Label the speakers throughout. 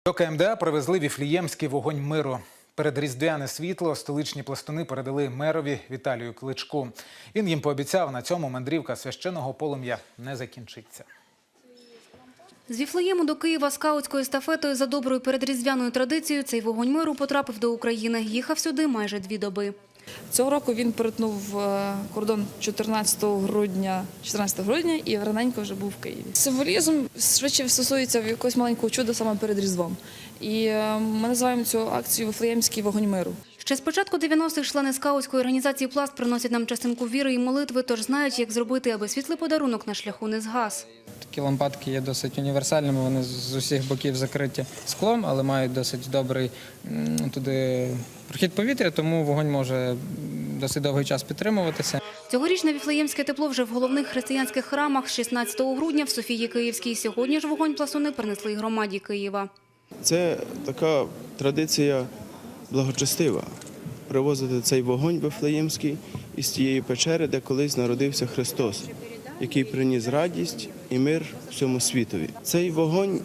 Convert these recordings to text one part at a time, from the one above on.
Speaker 1: До КМДА привезли віфліємський вогонь миру. Передріздвяне світло столичні пластуни передали мерові Віталію Кличку. Він їм пообіцяв, на цьому мандрівка священного полум'я не закінчиться.
Speaker 2: З Віфлеєму до Києва скаутською естафетою за доброю передріздвяною традицією цей вогонь миру потрапив до України. Їхав сюди майже 2 доби.
Speaker 3: Цього року він перетнув кордон 14 грудня і раненько вже був в Києві. Символізм швидше стосується якогось маленького чуда саме перед Різдвом. І ми називаємо цю акцію «Віфлеємський вогонь миру».
Speaker 2: Ще з початку 90-х члени скаутської організації «Пласт» приносять нам частинку віри і молитви, тож знають, як зробити, аби світлий подарунок на шляху не згас.
Speaker 4: Такі лампадки є досить універсальними, вони з усіх боків закриті склом, але мають досить добрий туди прохід повітря, тому вогонь може досить довгий час підтримуватися.
Speaker 2: Цьогорічне віфлеємське тепло вже в головних християнських храмах 16 грудня в Софії Київській. Сьогодні ж вогонь пластуни принесли й громаді Києва.
Speaker 5: Це така традиція благочестива – привозити цей вогонь віфлеємський із тієї печери, де колись народився Христос, який приніс радість і мир всьому світові. Цей вогонь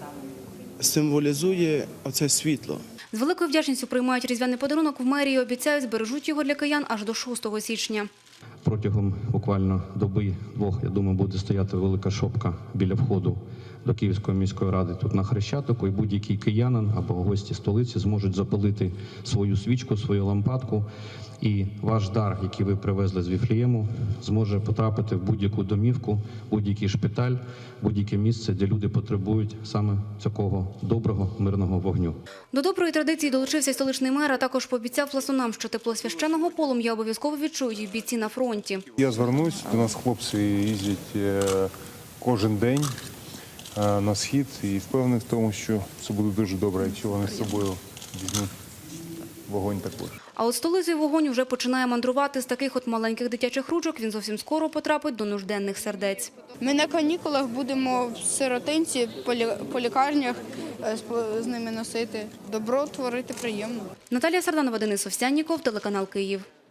Speaker 5: символізує оце світло.
Speaker 2: З великою вдячністю приймають різдвяний подарунок в мерії, обіцяють, збережуть його для киян аж до 6 січня.
Speaker 6: Протягом буквально доби-двох, я думаю, буде стояти велика шопка біля входу до Київської міської ради тут на Хрещатику, і будь-який киянин або гості столиці зможуть запалити свою свічку, свою лампадку, і ваш дар, який ви привезли з Віфлеєму, зможе потрапити в будь-яку домівку, будь-який шпиталь, будь-яке місце, де люди потребують саме такого доброго мирного вогню.
Speaker 2: До доброї традиції долучився й столичний мер, а також пообіцяв пластунам, що тепло священного полум'я обов'язково відчують і бійці на фронті.
Speaker 7: Я звернусь, до нас хлопці їздять кожен день на схід і впевнений в тому, що це буде дуже добре, якщо вони з собою візьмуть вогонь також.
Speaker 2: А от столицею вогонь вже починає мандрувати. З таких от маленьких дитячих ручок він зовсім скоро потрапить до нужденних сердець.
Speaker 8: Ми на канікулах будемо в сиротинці, по лікарнях з ними носити. Добро творити приємно.
Speaker 2: Наталія Сарданова, Денис Овсянніков, телеканал «Київ».